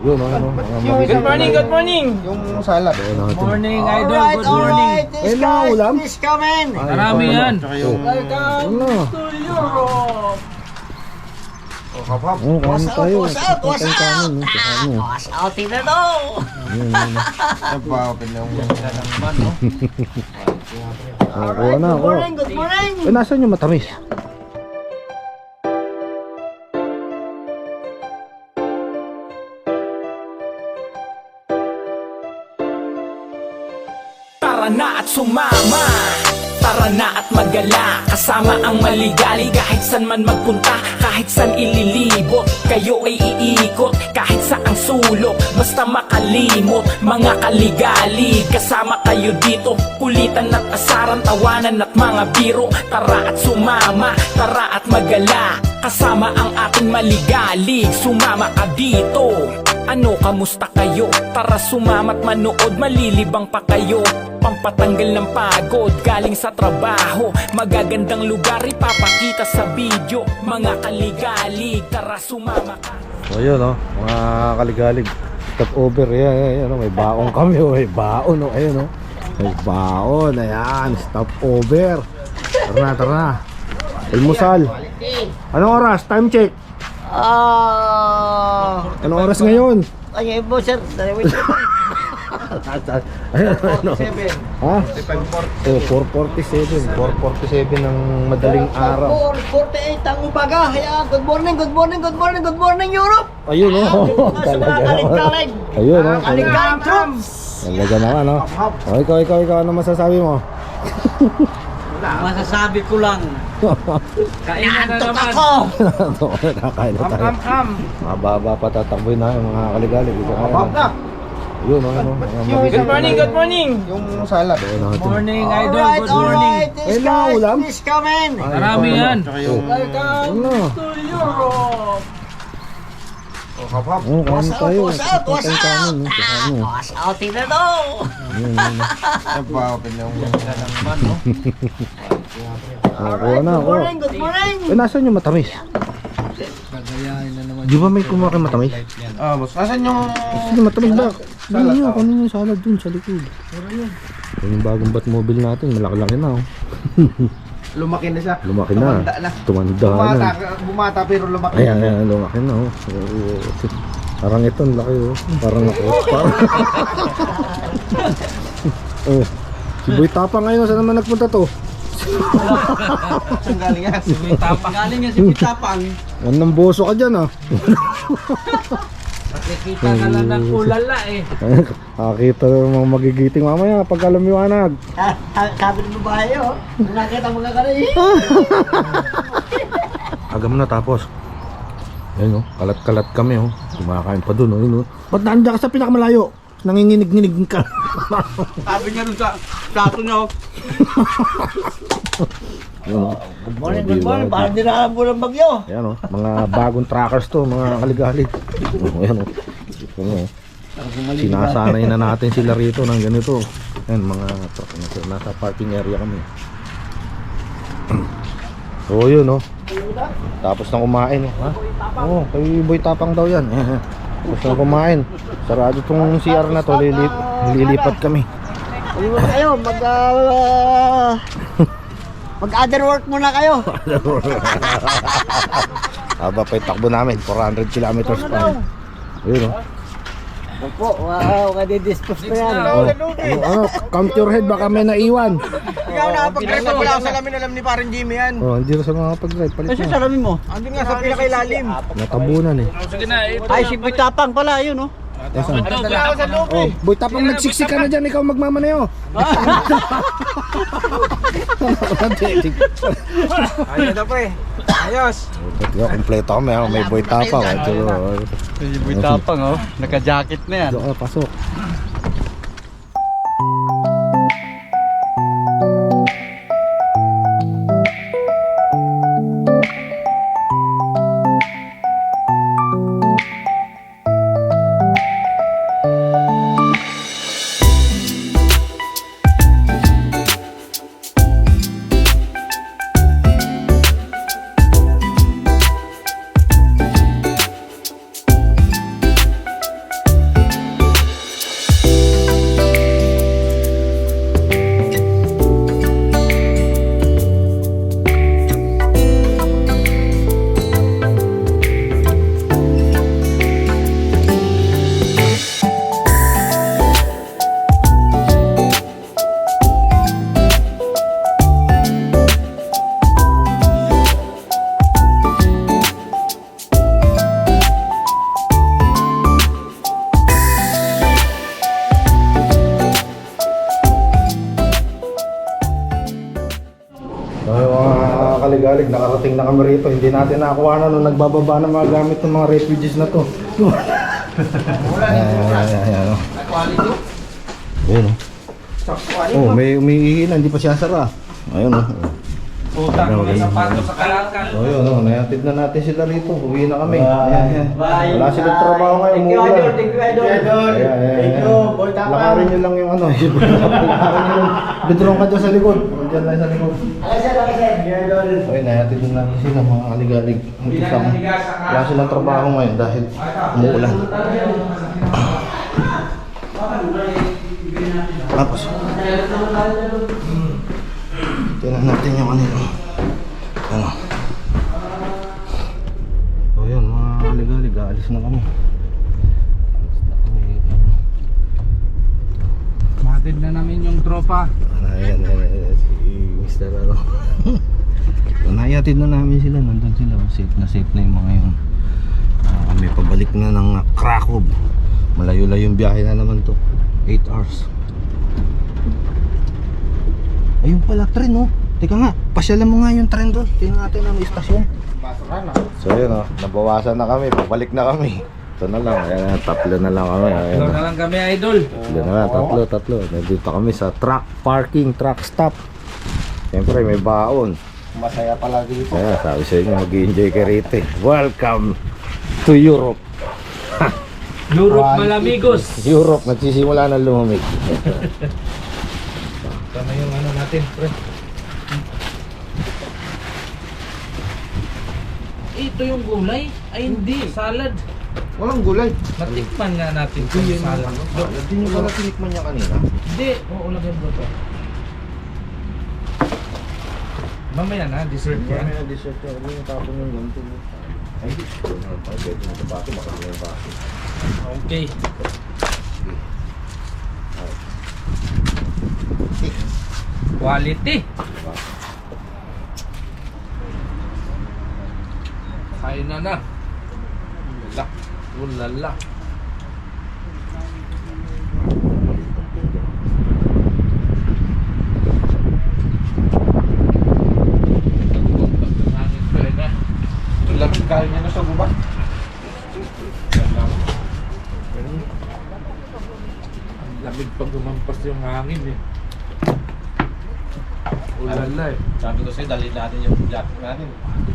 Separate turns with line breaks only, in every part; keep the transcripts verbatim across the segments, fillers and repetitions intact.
Yun, ano, ano,
Good morning, good morning.
Yung salad.
Good morning, idol.
Alright,
Good morning.
alright. This
Eh, na,
guys,
ulam?
this coming.
Marami yan.
Tsaka yung...
Welcome
Ano?
to Europe.
Oh, hap-hap.
Oh, kain
What's up,
tayo.
what's up, what's
Kain
up?
kanin, no? Sa
Ah,
ano.
what's out na to?
Yun, yun.
Nagpa-open na yung...
Ah, kuha na,
Good
kuha.
morning, good morning.
Eh, nasan yung matamis?
Tara na at sumama, tara na at magala, kasama ang maligali. Kahit san man magpunta, kahit san ililibot, kayo ay iikot, kahit saang sulok, basta makalimot. Mga kaligali, kasama kayo dito, kulitan at asaran, tawanan at mga biro. Tara at sumama, tara at magala, kasama ang ating maligali. Sumama ka dito. Ano, kamusta kayo? Tara sumama't manood, malilibang pa kayo. Pampatanggal ng pagod, galing sa trabaho. Magagandang lugar, ipapakita sa video. Mga kaligalig, tara sumama ka.
So yun, no? Mga kaligalig. Stop over, yan, yan, yan, no? May baon kami, oh. May baon, no? Ayun, no? May baon, ayan. Stop over. Tara na, tara na. Almusal. Anong oras? Time check.
Ah,
Anong oras ngayon?
ay, po sir. Dalawa
Ayun, ano? Ha? Oh, four forty-seven. four forty-seven ng madaling araw.
four forty-eight ang umaga. Hayaan, good morning, good morning, good morning, good morning, Europe.
Ayun, oh. Talaga naman.
Kalig-kalig.
Ayun, oh.
Kalig-kalig troops.
Talaga naman, oh. Oh, ikaw, ikaw, ikaw, ano masasabi mo?
Masasabi ko lang.
Kainan na
Antok
naman.
ako.
Nakakain na
Am,
tayo.
am, am.
Mababa pa tatakboy na yung mga kaligalig. Ito,
Hap-hap na.
Yun, oh, ano. mga
Good
magigising
morning,
na-
good morning.
Yung salad.
Ayun, oh, ito.
Morning, idol.
Alright,
Good morning.
alright. This
Eh, na,
guys,
ulam?
this coming.
Ay,
Marami
ito,
yan.
Tsaka yung...
Welcome
Ano?
to Europe.
Oh, hap-hap.
Oh, kain
What's up,
tayo.
what's up, what's
Kain
up?
kanin, no? Sa
Ah,
ano.
what's out na to?
Yun, yun.
Nagpa-open na yung...
Oh, kuha na,
Good
kuha.
morning, good morning.
Eh, nasan yung matamis? Di ba may kumuha kang matamis?
Ah, boss. Nasaan yung...
Sige, matamis ba? Salad. Yun, kunin yung salad dun sa likod. Yun yung bagong Batmobile natin, malaki-laki na, oh.
Lumaki na siya.
Lumaki na.
Tumanda na.
Tumanda
Bumata,
na.
bumata pero lumaki.
Ayan, ayan, lumaki na, oh. Oo, parang ito, ang laki, oh. Parang ako. Parang... oh. Si Boy Tapang ngayon, saan naman nagpunta to?
Saan galing yan?
Tapang. Galing yan si Pitapang.
Anong boso ka dyan, ah.
Nakikita ka lang ng ulala eh.
Nakakita ng mga magigiting mamaya pagka lumiwanag.
Ah, ah, Sabi ng babae, oh. Nakita mga kanay.
Aga mo na tapos. Ayun, oh. Kalat-kalat kami, oh. Kumakain pa dun, oh. Ayun, oh. Ba't nandiyan ka sa pinakamalayo? Nanginginig-nginig ka.
Sabi niya rin sa plato niya.
Ayun, oh.
Good morning, good morning. Parang dinaalam ko ng bagyo.
Ayan, oh. Mga bagong trackers to, mga kaligalig. Oh, ayan, oh. Ayan, oh. Sinasanay na natin sila rito ng ganito. Ayan, mga truck. Nasa parking area kami. So, yun, oh. Tapos na kumain, oh. Ha? Oo, oh, kay Boy Tapang daw yan. Tapos na kumain. Sarado tong C R na to, lilip, lilipat kami.
Ayun kayo, mag... ah, mag-other work muna kayo.
Haba pa yung takbo namin, four hundred kilometers pa. Ayun, oh.
Opo, wow, kadi-dispose pa yan.
Oh, ano, ano, count your head, baka may naiwan.
Ikaw nakapag-drive na wala ako salamin, alam ni parang Jimmy yan.
Oh, hindi na sa mga pag-drive, palit na.
salamin mo?
Andun nga sa pinakailalim.
Natabunan eh.
Sige na, ito.
Ay, si Pitapang pala, yun, oh.
Nasaan?
Wala ako sa loob
Oh,
eh.
Boy Tapang, nagsiksik ka na dyan, ikaw magmamaneho.
Ayun na pre. Ayos.
Yo, kompleto kami, ha? May Boy Tapang. Ito, oh.
Si Boy Tapang oh. Naka-jacket na yan.
Doon ka, pasok. kaligalig, nakarating na kami rito. Hindi natin nakakuha na nung nagbababa ng mga gamit ng mga refugees na to. Ayan, ayan, ayan, ayan. oh. Ayun oh. Oh, may umiihi na, hindi pa siya sara. Ayun oh.
Utang mga sapatos sa kalangkan.
So yun, oh, nayatid na natin sila rito. Uwi na kami. Ayan, ayan. Wala silang trabaho ngayon.
Thank you,
umuulan.
Idol. Thank you, Idol.
Ayan, ayan,
Thank
ayan.
you, Boy Tapang.
Lakarin nyo lang yung ano. Lakarin nyo lang. Bidrong ka dyan sa likod. Diyan lang sa likod.
Alas, sir, alas, sir. Idol.
Okay, nayatid na natin sila mga kaligalig. Ang isang, wala silang trabaho ngayon dahil umuulan. Tapos, tingnan natin yung ano yun. Ano? So yun, mga kaligalig, aalis na kami. Aalis na kami.
Matid na namin yung tropa.
Ayan, ayan, ayan, si mister ano. Nayatid na namin sila, nandun sila. Safe na safe na yung mga yun. Ah, kami pabalik na ng Krakow. Malayo-layo yung biyahe na naman to. eight hours. Ayun pala, tren oh. Teka nga, pasyalan mo nga yung tren doon. Tingnan natin ang istasyon. So yun oh, nabawasan na kami, pabalik na kami. Ito na lang, ayan, tatlo na lang kami. Ayan,
Ito na lang kami, Idol.
tatlo na lang, tatlo, tatlo. Nandito kami sa truck parking, truck stop. Siyempre may baon.
Masaya pala dito.
Kaya sabi sa inyo, mag-enjoy ka rito eh. Welcome to Europe.
Europe Malamigos.
Europe, nagsisimula na lumamig.
Tama yung ano natin, pre. Ito yung gulay? Ay hindi, salad.
Walang gulay.
Natikman nga natin yung salad.
Hindi nyo pala tinikman niya kanina.
Hindi, oo, lagyan mo to. Mamaya na, dessert yan.
May dessert yan. Huwag yung tapon yung lanto mo. Ay, pwede mo ito baso, makakita yung baso.
Okay. Quality. Kain na na. Ulala. Ulala.
Lamig galing niya na sa gubat.
Lamig pag gumampas yung hangin eh. Ulala eh.
Sabi ko sa'yo, dalhin natin yung jacket natin.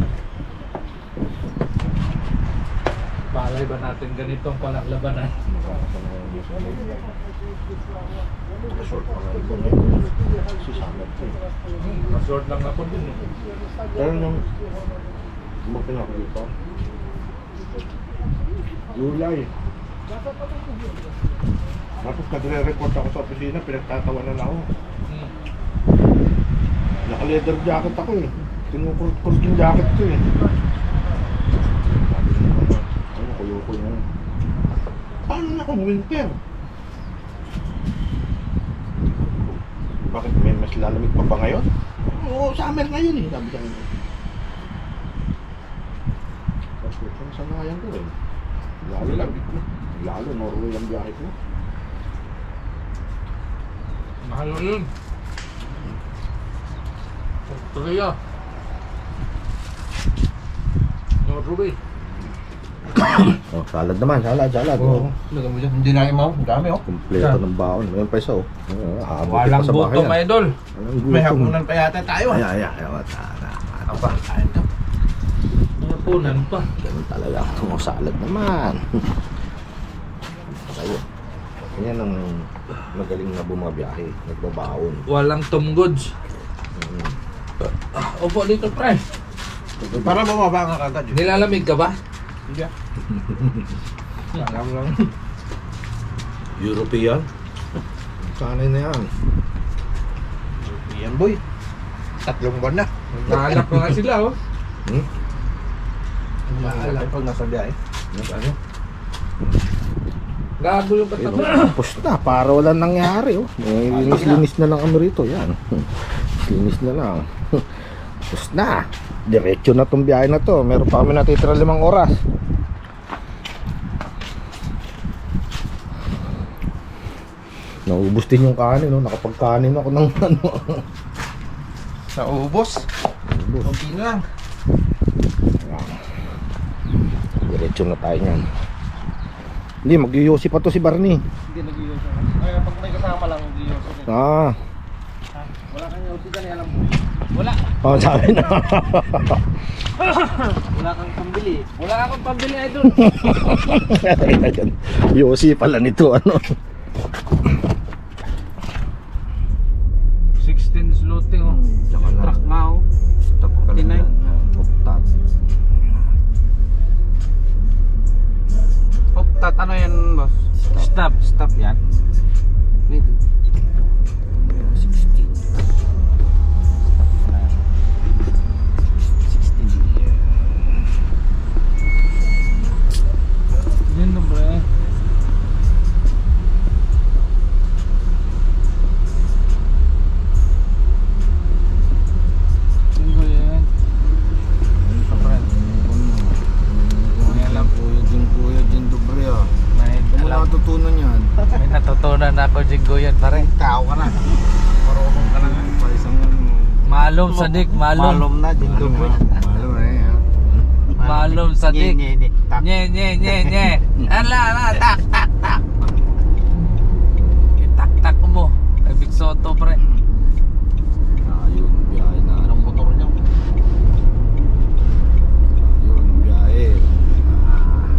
Palay ba natin ganitong palaklabanan?
Short pa nga ito ngayon. Susangat ko.
Masort lang ako dun eh.
Pero nung bumakin ako dito, July. Tapos nagre-report ako sa opisina, pinagtatawanan ako.
Hmm.
Naka-leather jacket ako eh. Kinukurot-kurot yung jacket ko eh. Sabi ko naman, ano, kuyo-kuyo na yun. Paano na kung winter? Bakit may mas lalamig pa ba ngayon? Oo, summer ngayon eh, sabi sa akin. Tapos yung sanayan ko rin. Lalo lang, lalo Norway ang biyahe ko.
Mahal yun. Australia. Norway.
Oh, salad naman, salad, salad.
Oo. Lagyan mo dyan. Hindi na imaw. Ang dami oh.
Kompleto ng baon. Mayroon pa isa oh. Uh,
Walang buto, my idol.
May hapunan pa yata tayo ah.
Ay, ay, ay, ay, tara.
Ano pa? Kain to.
Napunan pa.
Ganun talaga. Tungo salad naman. Ayun. Yan ang magaling na bumabiyahe. Nagbabaon.
Walang tumgods. Ah, upo dito, pre.
Para bumaba nga kagad yun.
Nilalamig ka ba?
Hindi ah. Alam lang.
European? Sanay na yan.
Yan boy. Tatlong buwan na.
Nahanap ko nga sila, oh.
Hmm?
Maalam pag nasa biyahe.
Ano?
Gago yung
Ayun,
katawan.
oh. Tapos na. Para walang nangyari. Oh. May linis-linis na lang kami rito. Yan. Linis na lang. Tapos na. Diretso na tong biyahe na to. Meron pa kami natitira limang oras. Naubos din yung kanin, no? Nakapagkanin ako ng ano.
Sa ubos.
Naubos.
Okay lang.
Diretso na tayo niyan. Hindi, mag-yosi pa to si Barney.
Hindi nag-iyoso. Ay, pag may kasama lang nag-iyoso.
Ah.
Wala kang yosi dyan, alam mo.
Wala.
Oh, sabi na.
Wala kang pambili.
Wala akong pambili idol.
Yosi pala nito, ano.
sixteen sloting oh.
Tsaka na.
Truck nga oh.
Stop ka lang
Tinay.
yan. Optat.
Optat, ano yan boss?
Stop.
Stop yan. Wait.
sixteen. sixteen.
Yun no bro. Yun ko yan.
Kuya lang, kuya din, kuya din, dobre ah.
May
Ano
alam.
natutunan yan?
May natutunan ako Jinggo yan pare.
Tao ka na. Marunong ka na nga.
Pa isang ano.
Malum sadik, malum.
Malum na, Jindo boy.
Malo na eh. ah.
Malum sadik.
Nye, nye, nye. Tak.
Nye nye nye nye. Ala ala tak tak tak. Tak tak mo. Ay Big Soto pre.
Ayun, biyahe na.
Anong motor niya?
Ayun, biyahe. Ah.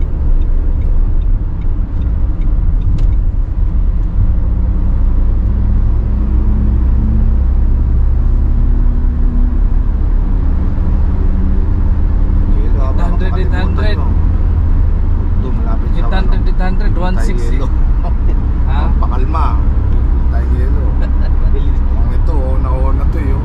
Yelo, habang
eight hundred, eight hundred.
makalimutan, no? Doon, malapit sa
eight hundred, eight hundred, one sixty.
Tayo yelo.
Ha?
Pakalma. Tayo yelo. Ang ito, nauna to yun.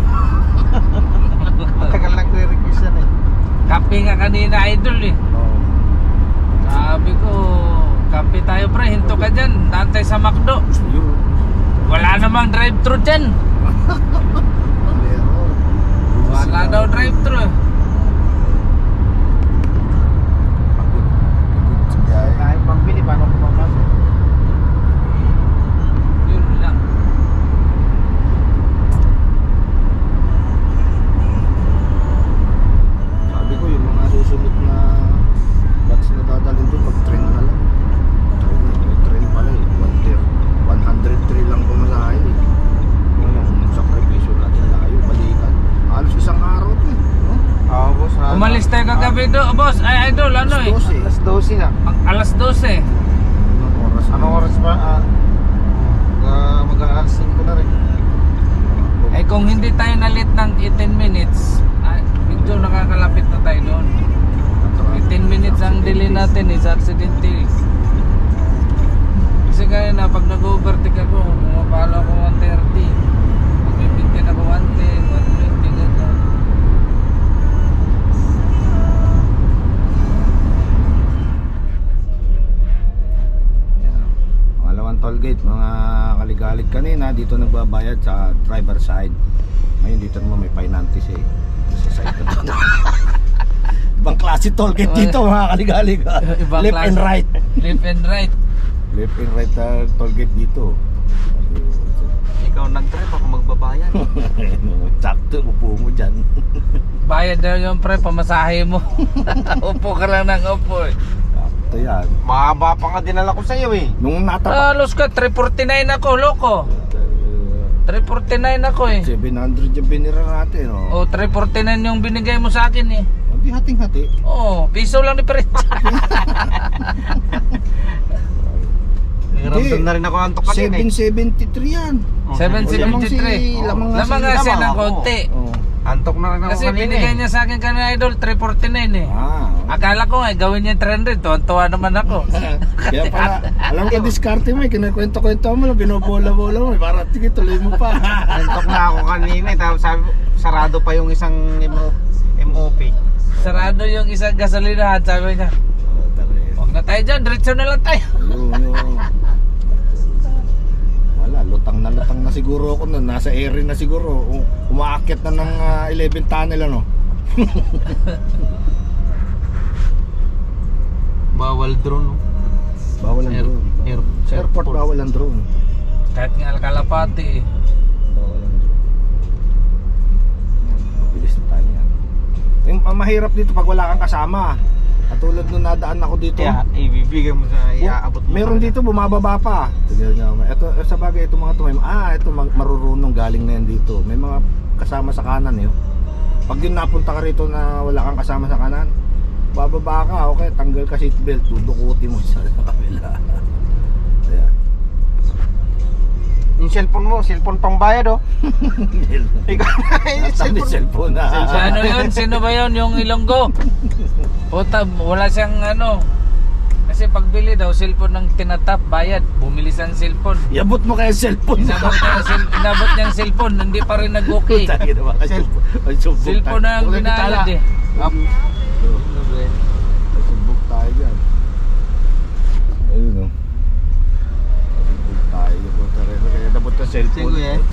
Matagal nagre-request yan eh.
Kape nga kanina idol eh.
Oo.
Sabi ko, kape tayo pre, hinto ka dyan. Nantay sa McDo.
Yun.
Wala namang drive-thru dyan.
Meron.
Wala daw drive-thru eh.
Pagod. Pagod sa biyahe.
Tayo pambili, paano ko papasok?
Yun lang.
Sabi ko yung mga susunod na batch na dadalhin doon, mag-train na lang. Train, may train pala eh. one hundred three lang pumasahe eh. Yung sakripisyo natin, layo, balikan. Halos isang araw to eh. No?
Oo boss. ah.
Umalis tayo kagabi do, boss. Ay idol, ano eh.
Alas dose eh.
Alas dose na.
Ang alas dose.
Anong oras?
Anong oras ba? Ah, uh, mag-aalas ko na rin.
Eh kung hindi tayo nalit ng eighteen minutes, ay, medyo nakakalapit na tayo doon. eighteen minutes ang delay natin eh, sa aksidente. Kasi kaya na pag nag-overtake ako, pumapalo ako one thirty. Magbibintin ako one ten, one twenty, gano'n.
Yan. Pangalawang toll gate, mga kaligalig kanina, dito nagbabayad sa driver side. Ngayon dito naman may finances eh. Sa side na dito. Ibang klase toll gate dito mga kaligalig. ah.
Ibang
Left
klase.
and right.
Left and right.
Left and right uh, toll gate dito.
Ikaw nag-trip ako magbabayan.
Sakto, upo mo dyan.
Bayad daw yung pre, pamasahe mo. Upo ka lang ng upo eh.
Sakto yan.
Mahaba pa nga dinala ko sa'yo eh.
Nung natapa,
Talos ka, three forty-nine ako, loko. three forty-nine ako eh.
seven hundred yung binira natin. Oh.
O, three forty-nine yung binigay mo sa akin eh.
Hindi hating-hati.
Oo, piso lang diferensya.
Hiramdam na rin ako antok kanina
seven
eh.
seventy-three yan.
seven seventy-three.
Lamang nga
Lamang
si-
nga siya
lamang
ng
ako.
konti.
Oh.
Antok na rin ako
Kasi
kanina
binigay
eh.
niya sa akin kanina idol, three forty-nine eh.
Ah.
Akala ko nga, gawin niya three hundred, tuwan-tuwa naman ako.
Kaya pala, alam ko diskarte mo eh, kinakwento-kwento mo lang, binobola-bola mo eh, para sige tuloy mo pa.
Antok na ako kanina eh. Tapos sabi, sarado pa yung isang M O P.
Sarado yung isang gasolinahan, sabi niya.
Oh, tari.
Huwag na tayo dyan, diretso na lang tayo.
Ayun, yun. Wala, lutang na lutang na siguro ako nun. Nasa area na siguro. U- Umaakyat na ng ah, eleven tunnel ano.
Bawal drone. No?
Bawal ang
Air-
drone.
air-
Sa airport bawal ang drone.
Kahit nga Kalapati eh.
Bawal ang drone. Yan, mabilis na tayo yan. Yung ah, mahirap dito pag wala kang kasama. Katulad nung nadaan ako dito.
Kaya ibibigay mo sa iaabot mo.
Meron dito bumababa pa. Tignan niyo. Ito sa bagay ito mga to. may- Ah, ito mag- marurunong galing na yan dito. May mga kasama sa kanan eh. oh. Pag yun napunta ka rito na wala kang kasama sa kanan, bababa ka, okay, tanggal ka seatbelt, dudukuti mo sa kabila. Ayan.
Yung cellphone mo, cellphone pang bayad oh. Ikaw na yung
Nasaan yung cellphone
cellphone.
na?
Sa ano yun? Sino ba yun? Yung Ilonggo? Puta, wala siyang ano. Kasi pagbili daw, cellphone ng tinatap, bayad. Bumili siyang cellphone.
Iabot mo kaya cellphone.
Inabot niya, ang cell, inabot niya ang cellphone, hindi pa rin nag-okay.
Tagi na mga cellphone. Ay, sumbog
Cellphone na
tayo.
ang
Huwag na
binalad
bitala.
eh.
Up. Ay, sumbog tayo dyan. Ayun o. Sumbog tayo. Punta rin. Kaya nabot na cellphone.
Sige, eh.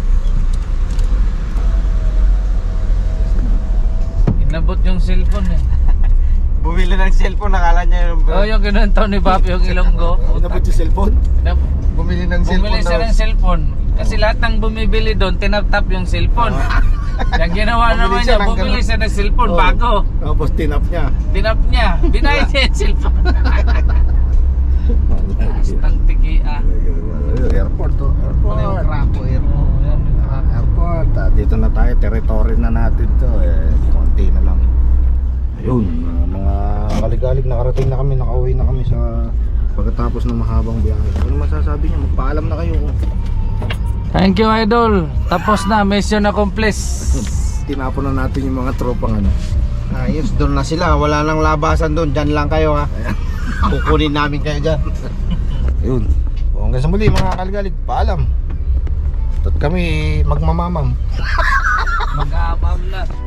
Inabot yung cellphone eh.
Bumili ng cellphone, nakala niya yung...
Oh, yung kinuntaw ni Papi yung Ilonggo.
Nabot yung cellphone?
Inab-
Bumili ng
Bumili siya ng cellphone. Kasi lahat ng bumibili doon, tinap-tap yung cellphone. Yung ginawa
Bumili
naman
siya
niya,
ng
bumili
ganun.
siya ng cellphone
Oh.
bago.
Tapos tinap niya.
Tinap niya, binayad niya yung cellphone. Ang tiki ah.
Airport to.
Ano yung
Airport.
crapo eh.
Oh, yan, yung crap.
Airport. Ah, dito na tayo. Territory na natin to. Eh, konti na lang. Ayun. Mga, mga kaligalig. Nakarating na kami. Nakauwi na kami sa pagkatapos ng mahabang biyahe. Ano masasabi niya? Magpaalam na kayo.
Thank you, Idol. Tapos na, mission accomplished.
Tinapon na natin yung mga tropang ano.
Ayos, doon na sila. Wala nang labasan doon. Diyan lang kayo ha. Kukunin namin kayo dyan.
Ayun. O, hanggang sa muli mga kaligalig. Paalam. At kami magmamamam.
Mag-aabam na.